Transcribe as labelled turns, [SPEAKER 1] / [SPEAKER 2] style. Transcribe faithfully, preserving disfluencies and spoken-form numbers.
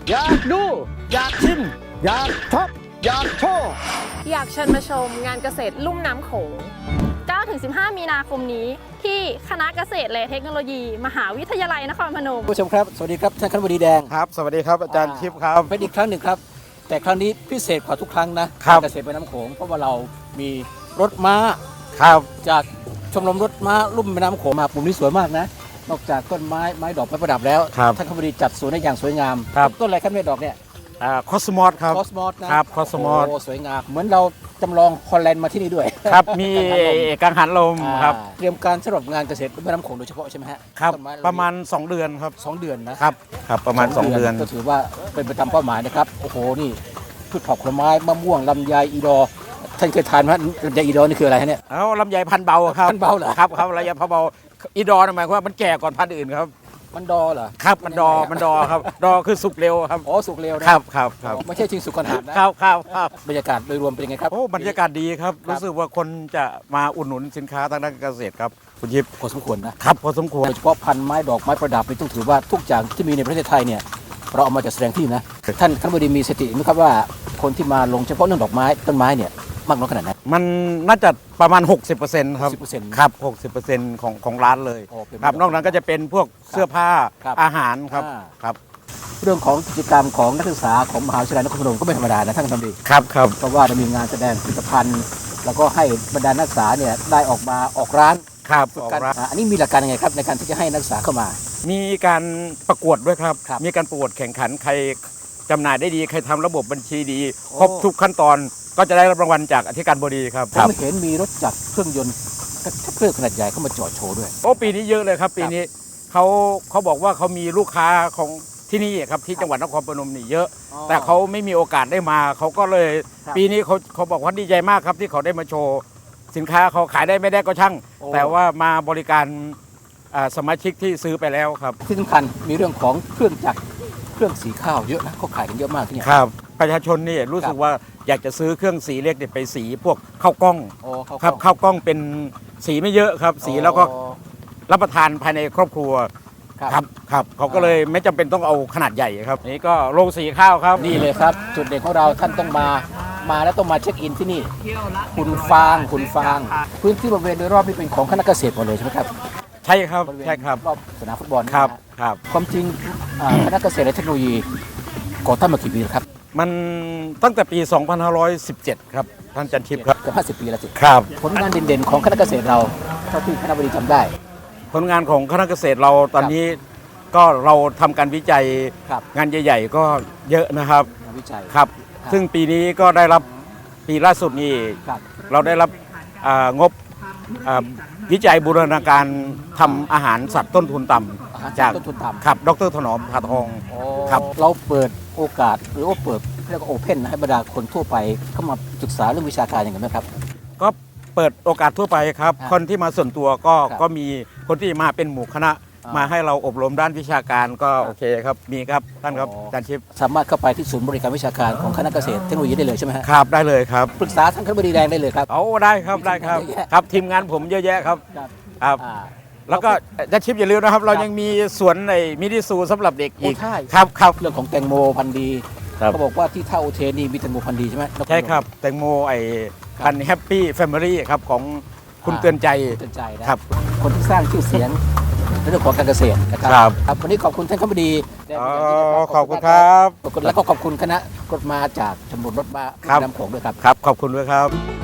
[SPEAKER 1] อยากดูอยากชิมอยากช็อปอยากโชว์
[SPEAKER 2] อยากเชิญมาชมงานเกษตรลุ่มน้ำโขง เก้าถึงสิบห้า มีนาคมนี้ที่คณะเกษตรและเทคโนโลยี มหาวิทยาลัยนครพนม
[SPEAKER 1] ผู้ชมครับสวัสดีครับท่านคณบดีแดง
[SPEAKER 3] ครับสวัสดีครับอาจารย์ทิพย์ครับ
[SPEAKER 1] เป็นอีกครั้งหนึ่งครับแต่ครั้งนี้พิเศษกว่าทุกครั้งนะครับเกษตรแม่น้ำโขงเพราะว่าเรามีรถม้า
[SPEAKER 3] ครับ
[SPEAKER 1] จากชมรมรถม้าลุ่มแม่น้ำโขงมาปุ่มนี้สวยมากนะนอกจากต้นไม้ไม้ดอกไม้ประดับแล้วท่านคณบดีจัดสวนได้อย่างสวยงามต้นอะไรครับเนี่ยดอกเนี่ย
[SPEAKER 3] อ่าคอสมอสครับ
[SPEAKER 1] คอสมอสนะครับ
[SPEAKER 3] คอสมอส
[SPEAKER 1] โอ้สวยงามเหมือนเราจำลองฮอลแลนด์มาที่นี่ด้วย
[SPEAKER 3] ครับมีกังหันลมครับ
[SPEAKER 1] เตรียมการสำหรับงานเกษตรแม่น้ำโขงโดยเฉพาะใช่ไหมฮะ
[SPEAKER 3] ครับประมาณสองเดือนครับ
[SPEAKER 1] สองเดือนนะครับ
[SPEAKER 3] ครับประมาณสองเดือน
[SPEAKER 1] ก็ถือว่าเป็นไปตามเป้าหมายนะครับโอ้โหนี่พืชผักผลไม้มะม่วงลำไยอีดอท่านเคยทานไหมลำไยอีดอนี่คืออะไรฮะเนี่ย
[SPEAKER 3] เอาลำไยพันเบาครับ
[SPEAKER 1] พันเบาเหรอ
[SPEAKER 3] ครับครับลำไยพันเบาอีดอหมายความว่ามันแก่ก่อนพันธุ์อื่นครับ
[SPEAKER 1] มันดอเหรอ
[SPEAKER 3] ครับมันดอมันดอครับดอคือสุกเร็วครับ
[SPEAKER 1] อ๋อสุกเร็วนะครับ
[SPEAKER 3] ครับครับ
[SPEAKER 1] ไม่ใช่จริงสุกก่อนหักนะครับ
[SPEAKER 3] ครับครับ
[SPEAKER 1] บรรยากาศโดยรวมเป็นยังไงครับ
[SPEAKER 3] โอ้บรรยากาศดีครับรู้สึกว่าคนจะมาอุดหนุนสินค้าทางด้านเกษตรครับคุณยิบ
[SPEAKER 1] พอสมควร
[SPEAKER 3] นะครับพอสมควร
[SPEAKER 1] โดยเฉพาะพันไม้ดอกไม้ประดับนี่ต้องถือว่าทุกอย่างที่มีในประเทศไทยเนี่ยเราเอามาจัดแสดงที่นะท่านท่านบดีมีสติไหมครับว่าคนที่มาลงเฉพาะเรื่องดอกไม้ต้นไม้เนี่ยมากน้อยขนาดไหน
[SPEAKER 3] มันน่าจะประมาณ หกสิบเปอร์เซ็นต์ ครับ
[SPEAKER 1] หกสิบเปอร์เซ็นต์
[SPEAKER 3] ครับ หกสิบเปอร์เซ็นต์ ของของร้านเลยครับนอกนั้นก็จะเป็นพวกเสื้อผ้าอาหารครับครับ
[SPEAKER 1] เรื่องของกิจกรรมของนักศึกษาของมหาวิทยาลัยนครพนมก็ไม่ธรรมดานะท่านคณบดี
[SPEAKER 3] ครับครับ
[SPEAKER 1] เพราะว่าจะมีงานแสดงผลิตภัณฑ์แล้วก็ให้บรรดานักศึกษาเนี่ยได้ออกมาออกร้าน
[SPEAKER 3] ครับ
[SPEAKER 1] การอันนี้มีหลักการยังไงครับในการที่จะให้นักศึกษาเข้ามา
[SPEAKER 3] มีการประกวดด้วยครับมีการประกวดแข่งขันใครจำหน่ายได้ดีใครทำระบบบัญชีดีครบทุกขั้นตอนก็จะได้รับรางวัลจากอธิการบดีครับ
[SPEAKER 1] ผมเห็นมีรถจักรเครื่องยนต์เครื่องขนาดใหญ่เข้ามาจอดโชว์ด้วย
[SPEAKER 3] โอ้ปีนี้เยอะเลยครับปีนี้เขาเขาบอกว่าเขามีลูกค้าของที่นี่ครับที่จังหวัดนครพนมนี่เยอะแต่เขาไม่มีโอกาสได้มาเขาก็เลยปีนี้เขาเขาบอกว่าดีใจมากครับที่เขาได้มาโชว์สินค้าเขาขายได้ไม่ได้ก็ช่างแต่ว่ามาบริการสมาชิกที่ซื้อไปแล้วครับ
[SPEAKER 1] ที่สำคัญมีเรื่องของเครื่องจักรเครื่องสีข้าวเยอะนะเขาขายกันเยอะมากที่นี่
[SPEAKER 3] ครับประชาชนนี่รู้สึกว่าอยากจะซื้อเครื่องสีเล็กเนี่ยไปสีพวกข้าวกล้องครับข้าวกล้องเป็นสีไม่เยอะครับสีแล้วก็รับประทานภายในครอบครัวครับครับเขาก็เลยไม่จำเป็นต้องเอาขนาดใหญ่ครับนี่ก็โรงสีข้าวครับ
[SPEAKER 1] นี่เลยครับจุดเด่นของเราท่านต้องมามาแล้วต้องมาเช็คอินที่นี่คุณฟางคุณฟางพื้นที่บริเวณโดยรอบนี่เป็นของคณะเกษตรหมดเลยใช่ไหมครับ
[SPEAKER 3] ใช่ครับใช่ครับ
[SPEAKER 1] รอบสนามฟุตบอล
[SPEAKER 3] ครับครับ
[SPEAKER 1] ความจริงคณะเกษตรและเทคโนโลยีก่อตั้งมากี่ปีแล้วครับ
[SPEAKER 3] มันตั้งแต่ปี สองพันห้าร้อยสิบเจ็ด ครับท่านจันทิพย์ครับ
[SPEAKER 1] เกือบห้าสิบปีแล้วสิ
[SPEAKER 3] ครับ
[SPEAKER 1] ผลงานเด่นๆของคณะเกษตรเราเท่าที่คณะบดีทำได้
[SPEAKER 3] ผลงานของคณะเกษตรเราตอนนี้ก็เราทำการวิจัยงานใหญ่ๆก็เยอะนะครับ
[SPEAKER 1] วิจัย
[SPEAKER 3] ครับซึ่งปีนี้ก็ได้รับปีล่าสุดนี้เราได้รับงบวิจัยบูรณาการทำอาหารสัตว์ต้นทุนต่ำจากครับดร.ถนอมผาทอง
[SPEAKER 1] ครับเราเปิดโอกาสหรือว่าเปิดเรียกว่าโอเพนให้บรรดาคนทั่วไปเข้ามาศึกษาเรื่องวิชาการอย่างไรไหมครับ
[SPEAKER 3] ก็เปิดโอกาสทั่วไปครับคนที่มาส่วนตัวก็ก็มีคนที่มาเป็นหมู่คณะมาให้เราอบรมด้านวิชาการก็โอเคครับมีครับท่านครับอาจารย์ชิพ
[SPEAKER 1] สามารถเข้าไปที่ศูนย์บริการวิชาการของคณะเกษตรเทคโนโลยีได้เลยใช่ไหม
[SPEAKER 3] ครับได้เลยครับ
[SPEAKER 1] ปรึกษาท่านคณบดีแดงได้เลยครับ
[SPEAKER 3] เอาได้ครับได้ครับครับทีมงานผมเยอะแยะครับครับแล้วก็อาจารย์ชิพอย่าลืมนะครับเรายังมีสวนในมินิซูสำหรับเด็กอีกครับครับ
[SPEAKER 1] เรื่องของแตงโมพันธุ์ดีเขาบอกว่าที่ท่าอุเทนนี่มีแตงโมพันธุ์ดีใช่ไหม
[SPEAKER 3] ใช่ครับแตงโมไอพันธุ์แฮปปี้แฟมิลี่ครับของคุณเตือนใจ
[SPEAKER 1] เตือนใจนะครับคนที่สร้างชื่อเสียงในเรื่องของการเกษตรนะครับครับวันนี้ขอบคุณท่านคณบดี
[SPEAKER 3] ขอบคุณครับ
[SPEAKER 1] แล้วก็ขอบคุณคณะรถม้าจากชมรมรถม้าแม่น้ำโขงด้วยครับ
[SPEAKER 3] ครับขอบคุณด้วยครับ